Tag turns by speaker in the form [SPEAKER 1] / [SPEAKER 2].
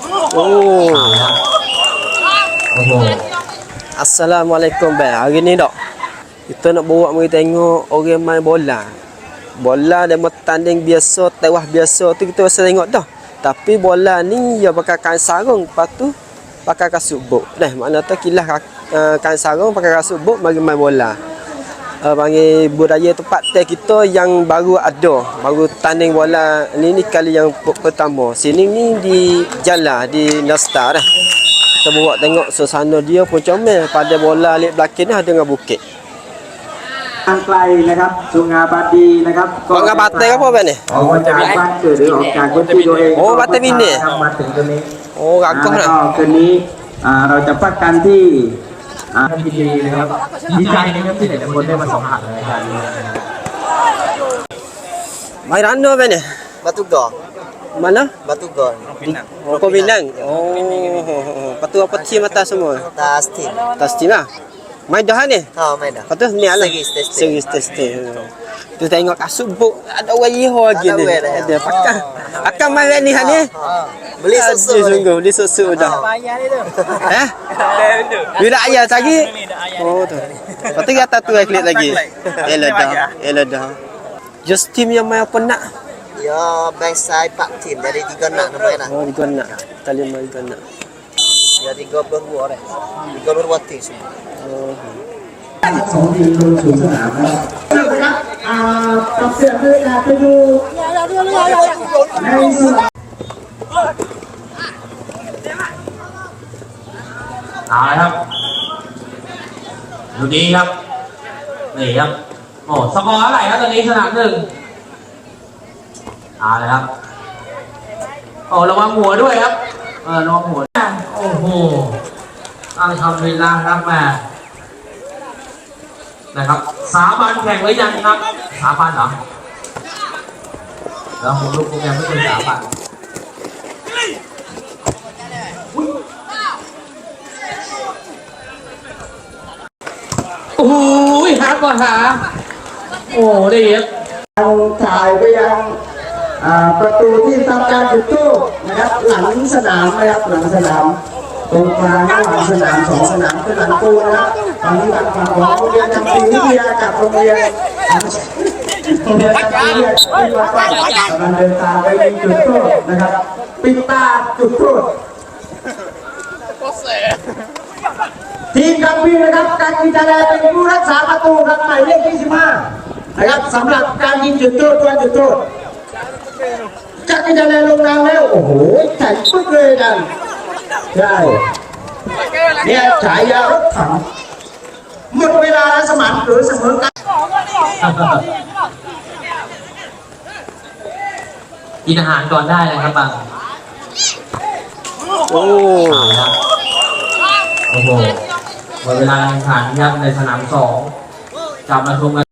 [SPEAKER 1] Oh.
[SPEAKER 2] Assalamualaikum bang. Hari ni dok. Kita nak bawa mari tengok orang main bola. Bola dia tanding biasa, tewah biasa tu kita biasa tengok dah. Tapi bola ni dia pakai kain sarung, lepas tu pakai kasut bot. Dah makna tu kilas kain sarung pakai kasut bot mari main bola. Panggil budaya tempat kita yang baru ada, baru tanding bola ni kali yang pertama. Sini ni di Jala di Nasta dah. Kita bawa tengok suasana dia pun comel. Pada bola lihat belakang ni ada dengan bukit.
[SPEAKER 3] ทางไกลนะครับสุงาบาดีนะครับ
[SPEAKER 2] Sungai Batai apa bang ni?
[SPEAKER 3] ออกมาจากบ้านเกิดหรือออกจากพื้นที่ตัวเอง
[SPEAKER 2] โอ้บัตเตอร์วินนี่
[SPEAKER 3] มาถึงตรงนี้
[SPEAKER 2] Oh, rakoh
[SPEAKER 3] แล้ว
[SPEAKER 2] dah.
[SPEAKER 3] ก็คืนนี้เราจะพักกันที่พิธีนะครับดีใจนะครับที่หลายๆคนได้มาสัมผัสในการนี้
[SPEAKER 2] Main rana bang ni?
[SPEAKER 1] Batu Gor.
[SPEAKER 2] Mana?
[SPEAKER 1] Batu Gor.
[SPEAKER 2] Oh, Pinang. Oh, lepas tu apa team atas semua?
[SPEAKER 1] Tas tim.
[SPEAKER 2] Atas team lah. Main dah ni?
[SPEAKER 1] Ha, main dah.
[SPEAKER 2] Lepas tu ni lah.
[SPEAKER 1] Seri
[SPEAKER 2] testing. Tu tengok kasut buk ada orang Iho lagi ni. Ada pakai. Akan main ni ni.
[SPEAKER 1] Beli susu.
[SPEAKER 2] Sungguh beli susu dah. Eh? Bila ayah lagi? Oh tu. Lepas tu kata tu klik lagi. Elah dah. Just team yang main apa nak?
[SPEAKER 1] Ya, bangsai Pak Tim dari 3 nak main dah.
[SPEAKER 2] Oh, itu nak. Tali main itu nak.
[SPEAKER 1] Ya 32 orang. 32 tim semua.
[SPEAKER 3] ของทีมลงสู่สนามนะครับปรับเปลี่ยนบรรยากาศไปดูในสนามเอาละครับดูดีครับนี่ครับโอ้สกอร์เท่าไหร่ครับตอนนี้สนามหนึ่งเอาละครับโอ้ระวังหัวด้วยครับระวังหัวโอ้โหอัลฮัมดุลิลลาห์ครับแม่นะครับสาบานแข่งหรือยังครับสาบานเหรอแล้วผมรู้โปรแกรมไม่เป็นสาบานโอ้ยหาก่อนหาโอ้ได้เยอะถ่ายไปยังประตูที่ทำการจุดธูปนะครับหลังสนามนะครับหลังสนามตรงกลางระหว่างสนาม2 สนามคือหลังตูนะครับตอนนี้ทางฝั่งของโรงเรียนจำปีวิทยากับโรงเรียนจำปีวิทยากำลังเดินทางไปยิงจุดโทษนะครับปิดตาจุดโทษทีมกัมพีนะครับการกีฬาเป็นผู้รักษาประตูครับหมายเลข25นะครับสำหรับการยิงจุดโทษตัวจุดโทษการกีฬาลงนามแล้วโอ้โหแข็งปึ๊กเลยกันใช่เนี่ยฉายารถถังหมดเวลาแล้วสมานหรือเสมอกันกินอาหารก่อนได้เลยครับบัง
[SPEAKER 2] โอ้
[SPEAKER 3] โอ้โหหมดเวลาแข่งขันครับในสนาม2กลับมาชมกัน